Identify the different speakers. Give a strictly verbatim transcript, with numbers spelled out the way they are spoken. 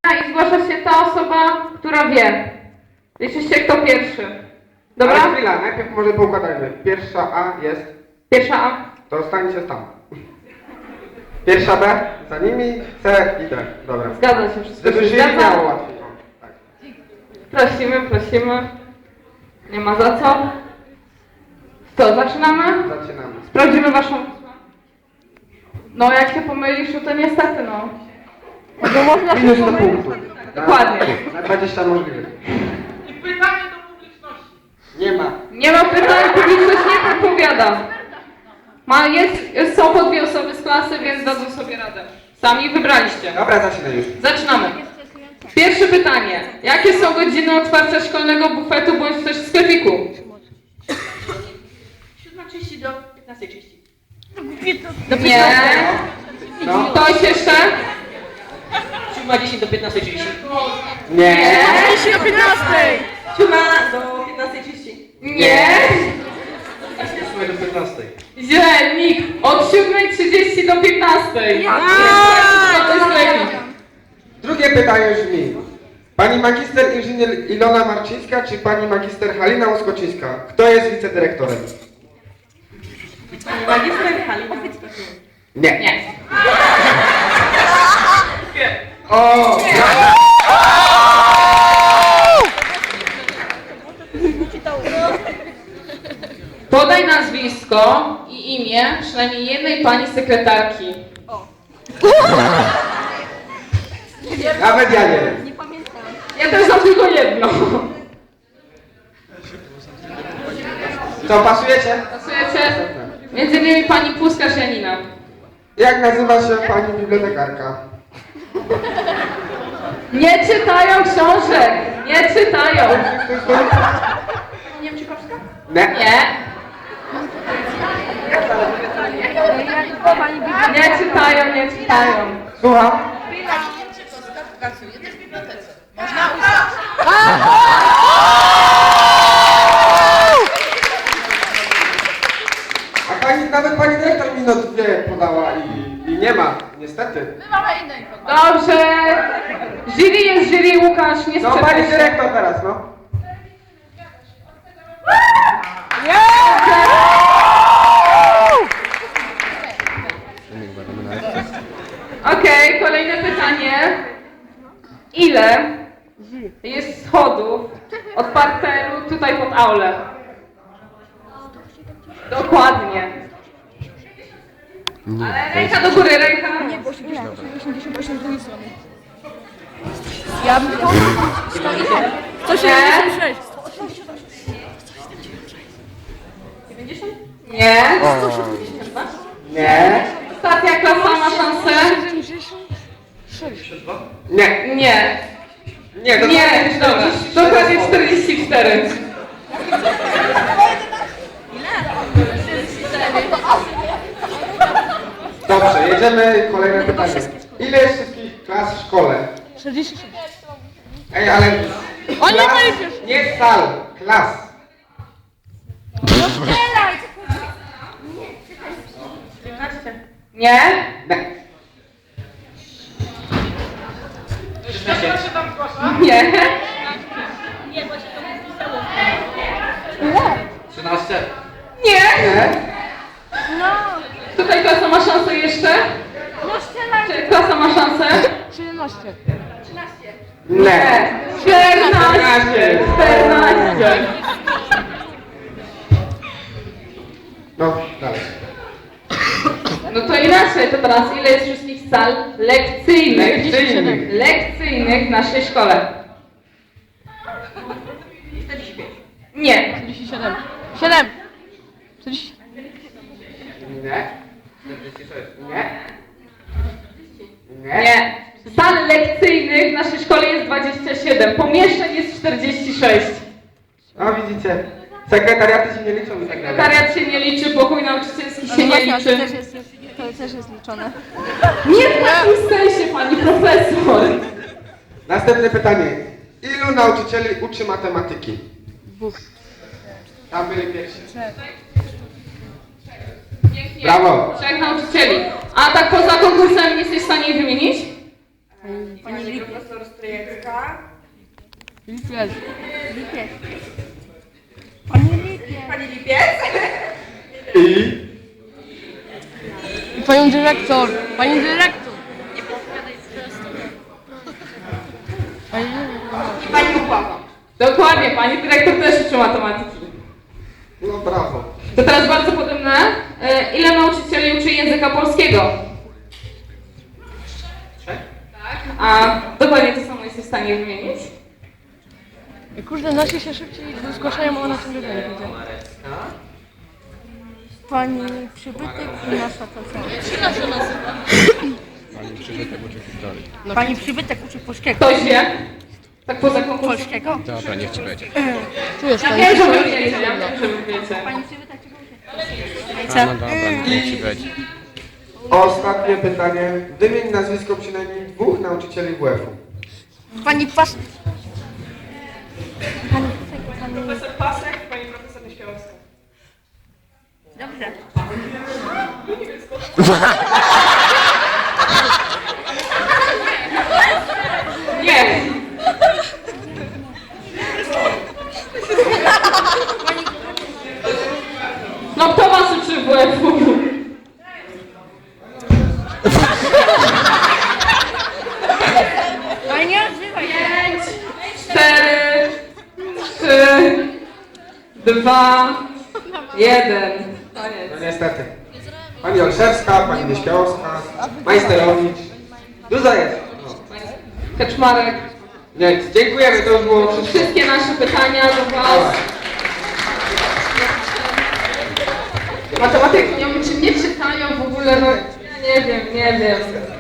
Speaker 1: I zgłasza się ta osoba, która wie. Liczy się kto pierwszy. Dobra?
Speaker 2: Ale chwila, najpierw może poukładajmy. Pierwsza A jest...
Speaker 1: Pierwsza A.
Speaker 2: To stańcie tam. Pierwsza B, za nimi, C i D. Dobra.
Speaker 1: Zgadza się, wszystko
Speaker 2: Żeby
Speaker 1: się
Speaker 2: się nie
Speaker 1: zgadza.
Speaker 2: miało łatwiej. O, tak.
Speaker 1: Prosimy, prosimy. Nie ma za co. Co, zaczynamy?
Speaker 2: Zaczynamy.
Speaker 1: Sprawdzimy waszą... No jak się pomylisz, to niestety no. Bo można się
Speaker 2: Minus do
Speaker 1: pomylić.
Speaker 2: punktu.
Speaker 1: Dokładnie.
Speaker 2: Na dwadzieścia możliwych.
Speaker 3: I pytanie do publiczności.
Speaker 2: Nie ma.
Speaker 1: Nie ma pytań, publiczność nie podpowiada. Ma, jest, jest, są po dwie osoby z klasy, więc dadzą sobie radę. Sami wybraliście.
Speaker 2: Dobra, zaczynaj już.
Speaker 1: Zaczynamy. Pierwsze pytanie. Jakie są godziny otwarcia szkolnego bufetu bądź też sklepiku?
Speaker 3: siódma trzydzieści do piętnastej trzydzieści.
Speaker 1: Nie.
Speaker 2: No.
Speaker 1: Ktoś jeszcze?
Speaker 3: siódma dziesięć do piętnastej trzydzieści.
Speaker 2: Nie.
Speaker 1: trzydzieści do piętnastej.
Speaker 3: siódma do piętnastej trzydzieści.
Speaker 1: Nie.
Speaker 2: ósma do piętnastej.
Speaker 1: Źle, Nik. Od siódmej trzydzieści do piętnastej. To jest sklepik.
Speaker 2: Drugie pytanie brzmi. Pani magister inżynier Ilona Marczyńska czy pani magister Halina Łoskoczyńska? Kto jest wicedyrektorem?
Speaker 3: Pani magister Halina.
Speaker 2: Nie.
Speaker 1: Nie.
Speaker 2: O!
Speaker 1: Podaj nazwisko i imię przynajmniej jednej pani sekretarki.
Speaker 2: Nawet ja nie wiem.
Speaker 1: Ja też znam tylko jedno.
Speaker 2: Co, pasujecie?
Speaker 1: Pasujecie? Między innymi pani Puskarz Janina.
Speaker 2: Jak nazywa się pani bibliotekarka?
Speaker 1: Nie czytają książek! Nie czytają!
Speaker 3: Niemczykowska?
Speaker 2: Nie.
Speaker 1: Nie. Nie czytają, nie czytają.
Speaker 2: Słucham?
Speaker 3: Niemczykowska pracuje też w bibliotece. Można uznać.
Speaker 2: A pani, nawet pani dyrektor minut dwie podała i, i nie ma, niestety.
Speaker 3: My mamy inne informacje.
Speaker 1: Dobrze. Jury jest jury, Łukasz, nie
Speaker 2: No pani
Speaker 1: sprzeczaj się.
Speaker 2: dyrektor teraz, no.
Speaker 1: Okej, kolejne pytanie. Ile jest schodów od parteru tutaj pod aulę? Dokładnie. Ale ręka do góry, ręka.
Speaker 4: osiemdziesiąt osiem z drugiej strony. Ja bym to... sto
Speaker 1: Nie.
Speaker 4: siedemdziesiąt sześć.
Speaker 1: dziewięćdziesiąt? Nie.
Speaker 2: Nie.
Speaker 1: Ostatnia klasa ma szansę.
Speaker 4: siedemdziesiąt sześć.
Speaker 2: Nie.
Speaker 1: Nie.
Speaker 2: Nie, to
Speaker 1: Nie, dobra. Dokładnie czterdzieści cztery.
Speaker 2: Dobrze, jedziemy, kolejne pytanie. Ile jest wszystkich klas w szkole?
Speaker 4: czterdzieści sześć.
Speaker 2: Ej, ale...
Speaker 4: O, nie
Speaker 2: klas,
Speaker 4: policzysz.
Speaker 2: nie sal, klas.
Speaker 1: Nie?
Speaker 2: Nie.
Speaker 3: Proszę tam zgłasza.
Speaker 1: Nie.
Speaker 2: trzynaście.
Speaker 1: Nie.
Speaker 2: Nie.
Speaker 1: Tutaj klasa ma szansę jeszcze? Czy klasa ma szansę?
Speaker 4: siedemnaście.
Speaker 2: Nie.
Speaker 1: czternaście. czternaście.
Speaker 2: No, dalej.
Speaker 1: No to inaczej, to teraz ile jest wszystkich sal lekcyjnych?
Speaker 2: Lekcyjnych.
Speaker 1: Lekcyjnych w naszej szkole? Nie.
Speaker 4: czterdzieści siedem. siedem. czterdzieści.
Speaker 2: Nie. czterdzieści sześć. Nie. Nie.
Speaker 1: Nie. Sal lekcyjnych w naszej szkole jest dwadzieścia siedem. Pomieszczeń jest czterdzieści sześć.
Speaker 2: No widzicie, sekretariaty się nie liczą i tak dalej.
Speaker 1: Sekretariat się nie liczy, pokój nauczycielski się nie
Speaker 4: To
Speaker 1: liczy.
Speaker 4: też jest, to też jest liczone.
Speaker 1: Nie w takim sensie, pani profesor.
Speaker 2: Następne pytanie. Ilu nauczycieli uczy matematyki?
Speaker 4: Dwóch.
Speaker 2: Tam byli pierwsi.
Speaker 1: Pięknie.
Speaker 2: Brawo.
Speaker 1: Trzech nauczycieli. A tak poza konkursem nie jesteś w stanie ich wymienić?
Speaker 3: Pani profesor Stryjecka.
Speaker 4: Lipiec.
Speaker 3: Lipiec. Pani Lipiec. Pani Lipiec?
Speaker 2: I?
Speaker 4: I panią dyrektor. Pani dyrektor. Pani dyrektor.
Speaker 3: I pani Ukława.
Speaker 1: Dokładnie, pani dyrektor też uczy matematyki.
Speaker 2: No brawo.
Speaker 1: To teraz bardzo podobne. E, Ile nauczycieli uczy języka polskiego? Tak. A dokładnie to samo jesteś w stanie wymienić?
Speaker 4: I kurde, nasi się szybciej zgłaszają, a ona ciągle nie widzę.
Speaker 3: Pani Przybytek i nasza to co? Pani Przybytek uczy polskiego.
Speaker 1: Ktoś wie? Tak poza konkursem.
Speaker 3: Polskiego?
Speaker 5: Dobra, niech ci będzie.
Speaker 4: Czujesz
Speaker 1: Ja
Speaker 4: to?
Speaker 1: wiem, że wy wiecie, ja wiem, że wy wiecie.
Speaker 3: Pani Przybytek czego uczy?
Speaker 5: A, no dobra, niech ci będzie.
Speaker 2: Ostatnie pytanie. Wymień nazwisko przynajmniej dwóch nauczycieli W F-u.
Speaker 3: Pani Pas... Pani...
Speaker 1: Profesor Pasek i pani profesor Nieśmiałowska.
Speaker 3: Dobrze.
Speaker 1: Nie! No kto was uczy w W F-u?
Speaker 3: Ale nie odzywaj się.
Speaker 1: Pięć, cztery, trzy, dwa, jeden. Koniec.
Speaker 2: No niestety. Pani Olszewska, pani Nieśmiałowska, Majsterowicz. Dużo jest. No.
Speaker 1: Kaczmarek.
Speaker 2: Nie, dziękujemy, to już było wszystko.
Speaker 1: Wszystkie nasze pytania do was. Matematyki nie wiem, czy nie czytają w ogóle, no ja nie wiem, nie wiem.